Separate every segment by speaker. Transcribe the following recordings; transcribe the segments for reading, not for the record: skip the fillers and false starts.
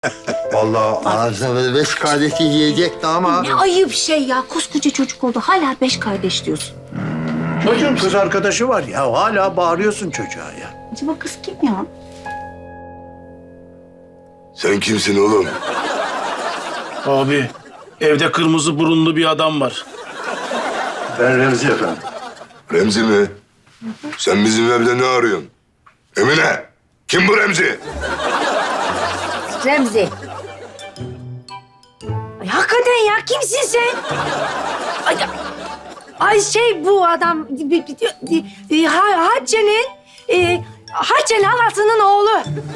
Speaker 1: Vallahi ağzına 5 kardeşi yiyecekti ama...
Speaker 2: Ne ayıp şey ya. Koskoca çocuk oldu. Hala 5 kardeş diyorsun.
Speaker 3: Çocuğun kız arkadaşı var ya. Hala bağırıyorsun çocuğa ya.
Speaker 2: Acaba kız kim ya?
Speaker 4: Sen kimsin oğlum?
Speaker 5: Abi, evde kırmızı burunlu bir adam var.
Speaker 3: Ben Remzi efendim.
Speaker 4: Remzi mi? Sen bizim evde ne arıyorsun? Emine, kim bu Remzi?
Speaker 2: Remzi. Ay, hakikaten ya kimsin sen? Ay şey bu adam Hatice'nin halasının oğlu.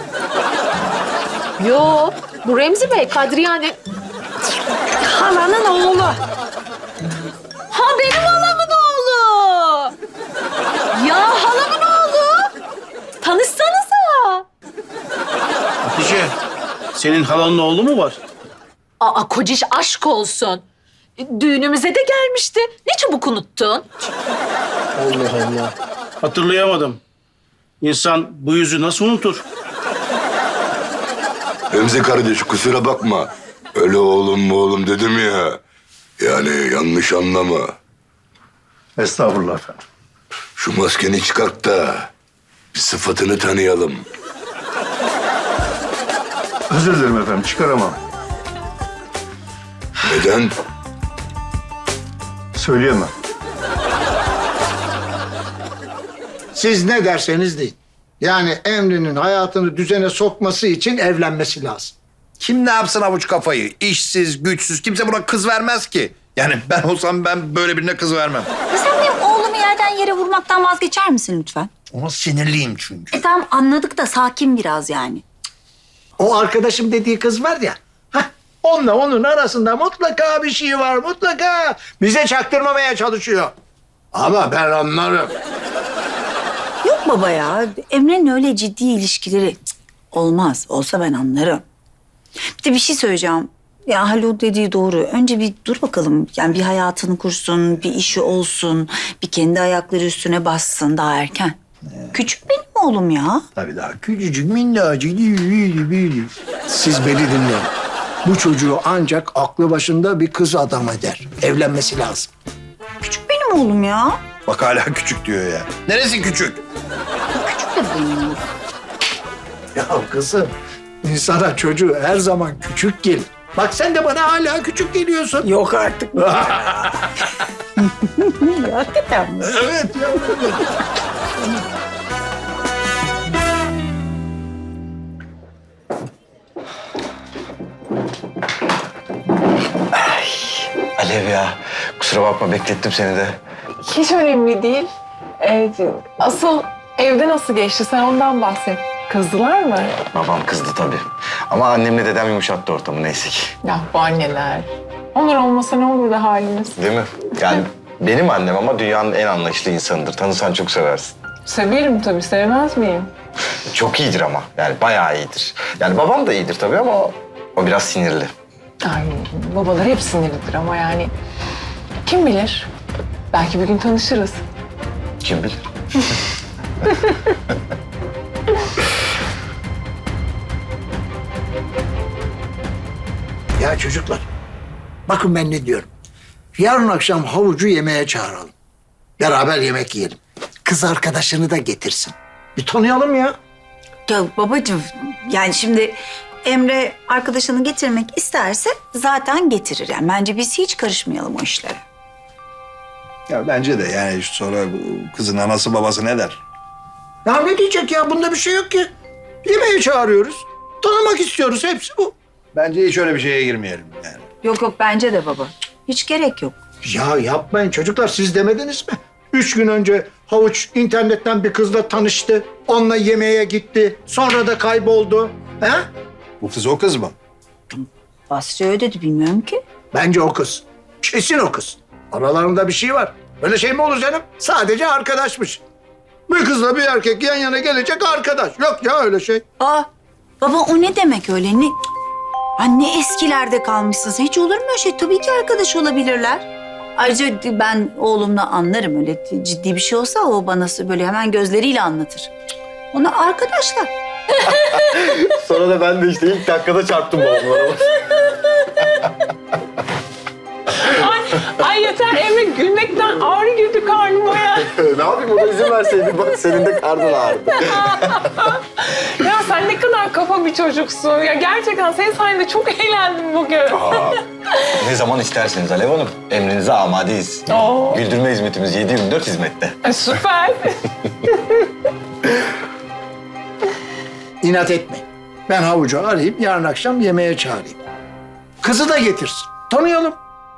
Speaker 6: Yo, bu Remzi Bey, Kadriyane.
Speaker 2: Halanın oğlu.
Speaker 6: Ha, benim halamın oğlu. Ya halamın oğlu. Tanışsanıza.
Speaker 5: Hatice, senin halanın oğlu mu var?
Speaker 6: Aa, kociş aşk olsun. Düğünümüze de gelmişti. Ne çabuk unuttun?
Speaker 5: Allah Allah. Hatırlayamadım. İnsan bu yüzü nasıl unutur?
Speaker 4: Remzi kardeş kusura bakma. Öyle oğlum mu oğlum dedim ya. Yani yanlış anlama.
Speaker 3: Estağfurullah efendim.
Speaker 4: Şu maskeni çıkart da bir sıfatını tanıyalım.
Speaker 3: Özür dilerim efendim. Çıkaramam.
Speaker 4: Neden?
Speaker 3: Söyleyemem. Siz ne derseniz deyin. Yani Emre'nin hayatını düzene sokması için evlenmesi lazım.
Speaker 1: Kim ne yapsın avuç kafayı? İşsiz, güçsüz. Kimse buna kız vermez ki. Yani ben olsam ben böyle birine kız vermem.
Speaker 2: Sen benim oğlumu yerden yere vurmaktan vazgeçer misin lütfen?
Speaker 1: Ona sinirliyim çünkü.
Speaker 2: Tamam anladık da sakin biraz yani.
Speaker 3: O arkadaşım dediği kız var ya. Onunla onun arasında mutlaka bir şey var. Mutlaka. Bize çaktırmamaya çalışıyor. Ama ben anlarım.
Speaker 2: Yok baba ya. Emre'nin öyle ciddi ilişkileri olmaz. Olsa ben anlarım. Bir de bir şey söyleyeceğim. Ya Haluk dediği doğru. Önce bir dur bakalım. Yani bir hayatını kursun, bir işi olsun, bir kendi ayakları üstüne bassın daha erken. Küçük benim oğlum ya.
Speaker 3: Tabii daha küçücük minnacık değil. Siz beni dinleyin. Bu çocuğu ancak aklı başında bir kız adam eder. Evlenmesi lazım.
Speaker 2: Küçük benim oğlum ya.
Speaker 1: Bak hala küçük diyor ya. Neresi küçük?
Speaker 2: Küçük de benim oğlum.
Speaker 3: Ya kızım, insana çocuğu her zaman küçük gelir. Bak sen de bana hala küçük geliyorsun.
Speaker 2: Yok artık. Hakikaten mi?
Speaker 3: Evet ya.
Speaker 7: Alev ya, kusura bakma beklettim seni de.
Speaker 8: Hiç önemli değil. Asıl evde nasıl geçti? Sen ondan bahset. Kızdılar mı?
Speaker 7: Babam kızdı tabii. Ama annemle dedem yumuşattı ortamı neyse ki.
Speaker 8: Ya bu anneler. Onlar olmasa ne olurdu halimiz?
Speaker 7: Değil mi? Yani benim annem ama dünyanın en anlayışlı insanıdır. Tanısan çok seversin.
Speaker 8: Severim tabii, sevmez miyim?
Speaker 7: Çok iyidir ama. Yani bayağı iyidir. Yani babam da iyidir tabii ama o biraz sinirli.
Speaker 8: Ay, babalar hep sinirlidir ama yani... Kim bilir? Belki bir gün tanışırız.
Speaker 7: Kim bilir?
Speaker 3: Ya çocuklar, bakın ben ne diyorum. Yarın akşam havucu yemeğe çağıralım. Beraber yemek yiyelim. Kız arkadaşını da getirsin. Bir tanıyalım ya.
Speaker 2: Ya babacığım yani şimdi Emre arkadaşını getirmek isterse zaten getirir. Yani bence biz hiç karışmayalım o işlere.
Speaker 1: Ya bence de yani sonra bu kızın anası babası ne der?
Speaker 3: Ya ne diyecek ya? Bunda bir şey yok ki. Yemeğe çağırıyoruz. Tanımak istiyoruz. Hepsi bu.
Speaker 1: Bence hiç öyle bir şeye girmeyelim yani.
Speaker 2: Yok bence de baba. Hiç gerek yok.
Speaker 3: Ya yapmayın çocuklar. Siz demediniz mi? 3 gün önce havuç internetten bir kızla tanıştı. Onunla yemeğe gitti. Sonra da kayboldu. He?
Speaker 1: Bu kız o kız mı?
Speaker 2: Basri öyle dedi bilmiyorum ki.
Speaker 3: Bence o kız. Kesin o kız. Aralarında bir şey var. Öyle şey mi olur canım? Sadece arkadaşmış. Bir kızla bir erkek yan yana gelecek arkadaş. Yok ya öyle şey.
Speaker 2: Aa baba o ne demek öyle ne? Anne eskilerde kalmışsınız. Hiç olur mu öyle şey? Tabii ki arkadaş olabilirler. Ayrıca ben oğlumla anlarım öyle ciddi bir şey olsa o bana böyle hemen gözleriyle anlatır. Ona arkadaşlar.
Speaker 7: Sonra da ben de işte ilk dakikada çarptım babamlara.
Speaker 8: Ay yeter Emre, gülmekten ağrı girdi karnıma ya.
Speaker 7: Ne yapayım, ona izin verseydin. Bak senin de karnın ağrıdı.
Speaker 8: Ya sen ne kadar kafa bir çocuksun. Ya gerçekten senin sayende çok eğlendim bugün.
Speaker 7: Ne zaman isterseniz Alev Hanım. Emrinize amadeyiz.
Speaker 8: Oo.
Speaker 7: Güldürme hizmetimiz 7/24 hizmette.
Speaker 8: Süper.
Speaker 3: İnat etme. Ben havucu arayıp yarın akşam yemeğe çağırayım. Kızı da getirsin. Tanıyalım.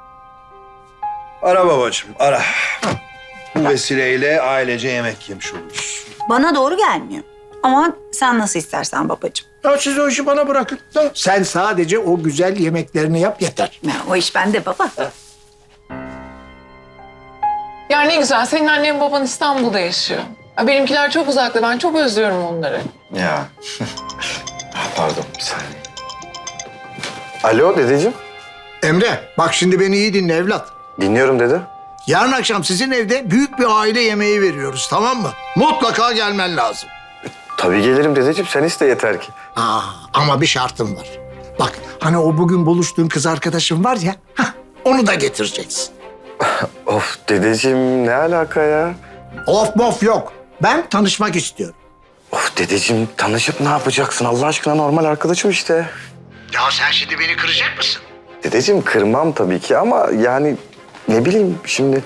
Speaker 1: Ara babacığım, ara. Bu vesileyle ailece yemek yemiş oluruz.
Speaker 2: Bana doğru gelmiyor. Ama sen nasıl istersen babacığım.
Speaker 3: Ya siz o işi bana bırakın. Da sen sadece o güzel yemeklerini yap yeter.
Speaker 2: Ya, o iş bende baba.
Speaker 8: Ya ne güzel, senin annen baban İstanbul'da yaşıyor. Ya benimkiler çok uzakta, ben çok özlüyorum onları.
Speaker 7: Ya. Pardon, bir saniye. Alo dedeciğim.
Speaker 3: Emre bak şimdi beni iyi dinle evlat.
Speaker 7: Dinliyorum dede.
Speaker 3: Yarın akşam sizin evde büyük bir aile yemeği veriyoruz, tamam mı? Mutlaka gelmen lazım.
Speaker 7: Tabii gelirim dedeciğim, sen iste yeter ki.
Speaker 3: Ama bir şartım var. Bak hani o bugün buluştuğun kız arkadaşın var ya, onu da getireceksin.
Speaker 7: Of dedeciğim, ne alaka ya?
Speaker 3: Of mof yok. Ben tanışmak istiyorum.
Speaker 7: Of dedeciğim, tanışıp ne yapacaksın? Allah aşkına normal arkadaşım işte.
Speaker 3: Ya sen şimdi beni kıracak mısın?
Speaker 7: Dedeciğim kırmam tabii ki ama yani ne bileyim şimdi...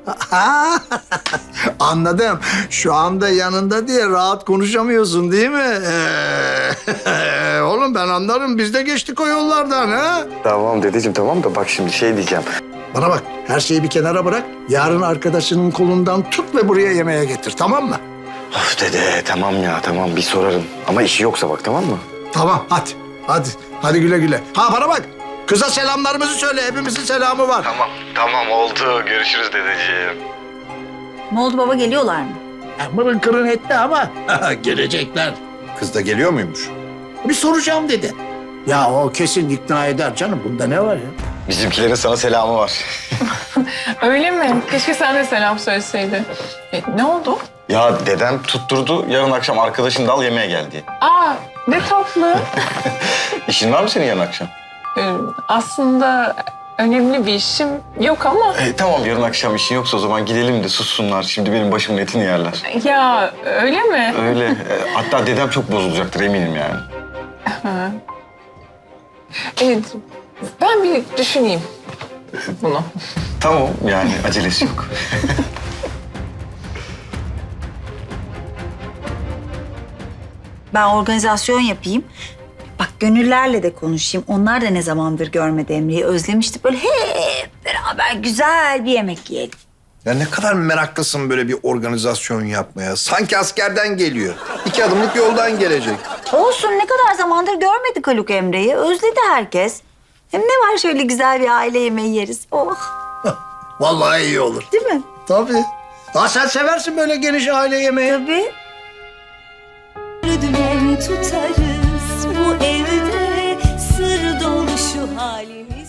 Speaker 3: Anladım. Şu anda yanında diye rahat konuşamıyorsun değil mi? Oğlum ben anlarım. Biz de geçtik o yollardan ha.
Speaker 7: Tamam dedeciğim tamam da bak şimdi şey diyeceğim.
Speaker 3: Bana bak, her şeyi bir kenara bırak. Yarın arkadaşının kolundan tut ve buraya yemeğe getir, tamam mı?
Speaker 7: Of dede tamam ya tamam bir sorarım. Ama işi yoksa bak tamam mı?
Speaker 3: Tamam, hadi. Hadi. Hadi güle güle. Ha bana bak. Kıza selamlarımızı söyle. Hepimizin selamı var.
Speaker 7: Tamam oldu. Görüşürüz dedeciğim.
Speaker 2: Ne oldu baba, geliyorlar mı?
Speaker 3: Mırın kırın etti ama gelecekler.
Speaker 1: Kız da geliyor muymuş?
Speaker 3: Bir soracağım dedi. Ya o kesin ikna eder canım. Bunda ne var ya?
Speaker 7: Bizimkilerin sana selamı var.
Speaker 8: Öyle mi? Keşke sen de selam söyleseydin. Ne oldu?
Speaker 7: Ya dedem tutturdu yarın akşam arkadaşını da al yemeğe gel diye.
Speaker 8: Aa, ne tatlı.
Speaker 7: İşin var mı senin yarın akşam?
Speaker 8: Aslında önemli bir işim yok ama...
Speaker 7: Tamam yarın akşam işin yoksa o zaman gidelim de sussunlar. Şimdi benim başımın etini yerler.
Speaker 8: Ya öyle mi?
Speaker 7: Öyle. Hatta dedem çok bozulacaktır eminim yani.
Speaker 8: Evet, ben bir düşüneyim bunu.
Speaker 7: Tamam yani acelesi yok.
Speaker 2: Ben organizasyon yapayım. Bak gönüllerle de konuşayım. Onlar da ne zamandır görmedi Emre'yi. Özlemişti. Böyle hep beraber güzel bir yemek yiyelim.
Speaker 1: Ya ne kadar meraklısın böyle bir organizasyon yapmaya. Sanki askerden geliyor. 2 adımlık yoldan gelecek.
Speaker 2: Olsun, ne kadar zamandır görmedik Haluk Emre'yi. Özledi herkes. Hem ne var, şöyle güzel bir aile yemeği yeriz. Oh,
Speaker 3: Vallahi iyi olur.
Speaker 2: değil mi?
Speaker 3: Tabii. Ha sen seversin böyle geniş aile yemeği.
Speaker 2: Tabii.
Speaker 9: Dümen tutarız bu evde, sır dolu şu halimiz.